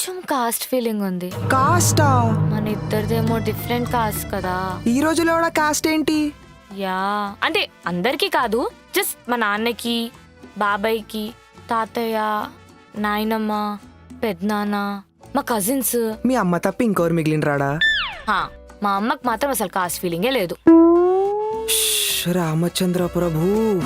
కొంచెం caste feeling ఉంది. కాస్టా? మన ఇద్దరిదేమో డిఫరెంట్ కాస్ట్ కదా. ఈ రోజులో కూడా కాస్ట్ ఏంటి? యా అంటే అందరికీ కాదు, జస్ట్ మా నాన్నకి, బాబాయ్కి, తాతయ్య, నాయనమ్మ, పెద్దనాన్న, మా కజిన్స్. మీ అమ్మ తప్ప ఇంకోరు మిగిలిన రాడా? మా అమ్మకి మాత్రం అసలు కాస్ట్ ఫీలింగే లేదు. రామచంద్ర ప్రభు.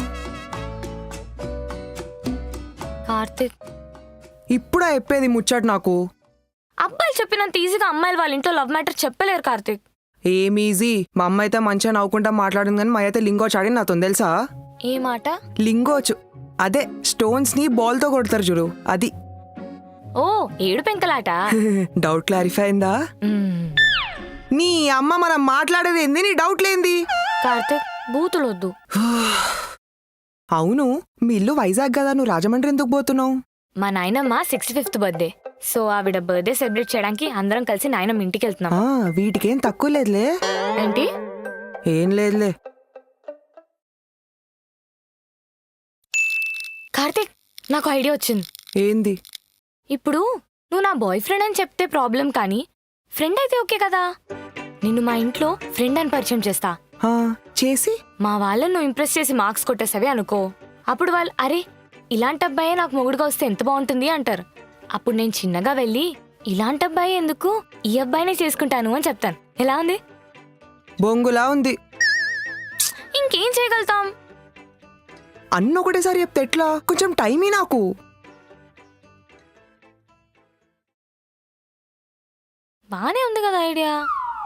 కార్తిక్ ఇప్పుడా చెప్పేది ముచ్చట నాకు? అబ్బాయిలు చెప్పినంత ఈజీగా అమ్మాయిలు వాళ్ళ ఇంట్లో లవ్ మ్యాటర్ చెప్పలేరు కార్తిక్. ఏం ఈజీ? మా అమ్మ అయితే మంచిగా నవ్వుకుంటా మాట్లాడింది, కానీ మా అయితే లింగోచ్ ఆడి నాతో తెలుసా? ఏ మాట? లింగోచ్ అదే స్టోన్స్ ని బాల్ తో కొడతారు చూడు, అది. ఓ ఏడు పెంకలాట. డౌట్ క్లారిఫై అయిందా? నీ అమ్మ మనం మాట్లాడేది ఏంది? నీ డౌట్ లేంది? కార్తిక్ బూతులొద్దు. అవును, మీ ఇల్లు వైజాగ్ కదా, నువ్వు రాజమండ్రి ఎందుకు పోతున్నావు? మా నాయనమ్మ 65th బర్త్డే, సో ఆవిడ బర్త్డే సెలబ్రేట్ చేయడానికి అందరం కలిసి నాయనమ్మ ఇంటికి వెళ్తున్నాం. వీటికేం తక్కువ లేదులే. ఏంటి? ఏం లేదులే. కార్తిక్ నాకు ఐడియా వచ్చింది. ఏంది? ఇప్పుడు నువ్వు నా బాయ్ ఫ్రెండ్ అని చెప్తే ప్రాబ్లం, కానీ ఫ్రెండ్ అయితే ఓకే కదా. నిన్ను మా ఇంట్లో ఫ్రెండ్ అని పరిచయం చేస్తా. చేసి మా వాళ్ళని నువ్వు ఇంప్రెస్ చేసి మార్క్స్ కొట్టేసావి అనుకో, అప్పుడు వాళ్ళు అరే ఇలాంటి అబ్బాయే నాకు మొగుడుగా వస్తే ఎంత బాగుంటుంది అంటారు. అప్పుడు నేను చిన్నగా వెళ్ళి ఇలాంటి అబ్బాయి ఎందుకు, ఈ అబ్బాయినే చేసుకుంటాను అని చెప్తాను. ఎలా ఉంది? బొంగులా ఉంది. ఇంకేం చేయగలుగుతాం? అన్న ఒకటేసారి చెప్తే ఎట్లా? కొంచెం టైమే నాకు. బానే ఉంది కదా ఐడియా.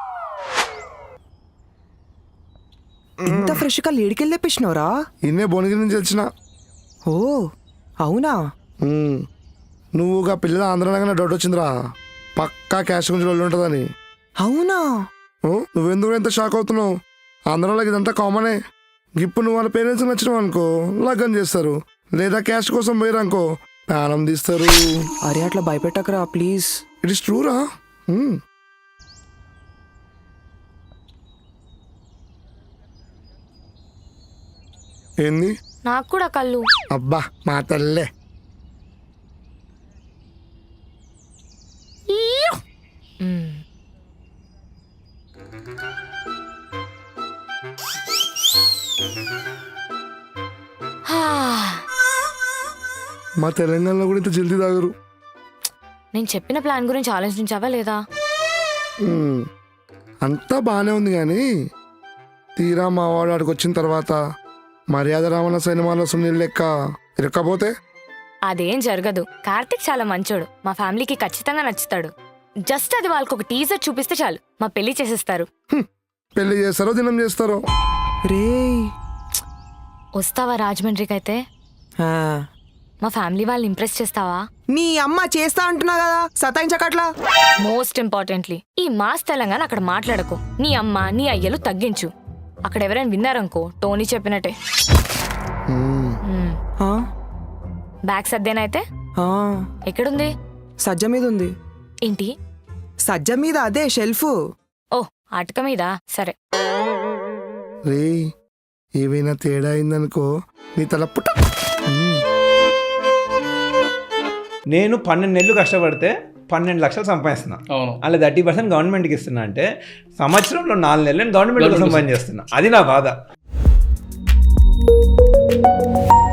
ఇంత ఫ్రెష్ గా లేడికెళ్ళి తెప్పించినవరా? ఇన్నే భువనగిరి నుంచి వచ్చిన. ఓ అవునా? నువ్వుగా పిల్లల ఆంధ్రనగానే డౌట్ వచ్చిందిరా, పక్కా క్యాష్ గురించి వాళ్ళు ఉంటుందని. అవునా? నువ్వెందుకు ఎంత షాక్ అవుతున్నావు? ఆంధ్రాలోకి ఇదంతా కామనే. ఇప్పుడు నువ్వు వాళ్ళ పేరెంట్స్ నచ్చినావు అనుకో లగ్గం చేస్తారు, లేదా క్యాష్ కోసం పోయారు అనుకో ప్రాణం తీస్తారు. అరే అట్లా భయపెట్టకరా ప్లీజ్. ఇట్ ఇస్ ట్రూరా. ఏంది? నాకు కూడా కళ్ళు. అబ్బా మా తల్లే. మా తెలంగాణలో కూడా ఇంత జల్దీ తాగరు. నేను చెప్పిన ప్లాన్ గురించి ఆలోచించావా లేదా? అంతా బాగానే ఉంది కానీ తీరా మా వాడు ఆడికి వచ్చిన తర్వాత మర్యాద రావణ సినిమాలో సునీల్ లెక్క ఇరక్కపోతే అదేం జరగదు. కార్తిక్ చాలా మంచోడు, మా ఫ్యామిలీకి ఖచ్చితంగా నచ్చుతాడు. జస్ట్ అది వాళ్ళకి ఒక టీజర్ చూపిస్తే చాలు, మా పెళ్లి చేసేస్తారు. పెళ్లి చేస్తారో దినం చేస్తారో. రే వస్తావా రాజమండ్రికి? అయితే మా ఫ్యామిలీ వాళ్ళని ఇంప్రెస్ చేస్తావా? నీ అమ్మ చేస్తా అంటున్నా కదా, సతాయించకట్లా. మోస్ట్ ఇంపార్టెంట్లీ ఈ మాస్ తెలంగాణ అక్కడ మాట్లాడకు. నీ అమ్మ నీ అయ్యలు తగ్గించు. అక్కడ ఎవరైనా విన్నారనుకో టోనీ చెప్పినట్టే. బ్యాగ్ సర్దేనైతే ఎక్కడుంది? సజ్జ మీద ఉంది. ఏంటి సజ్జ మీద? అదే షెల్ఫ్. ఓ అటక మీద. సరే రే ఏవైనా తేడా అయిందనుకో నీ తల పుట్ట. నేను 12 నెలలు కష్టపడితే 12 లక్షలు సంపాదిస్తున్నా. అలా 30% గవర్నమెంట్కి ఇస్తున్నా అంటే సంవత్సరంలో 4 నెలలు నేను గవర్నమెంట్ కోసం పని చేస్తున్నా. అది నా బాధ.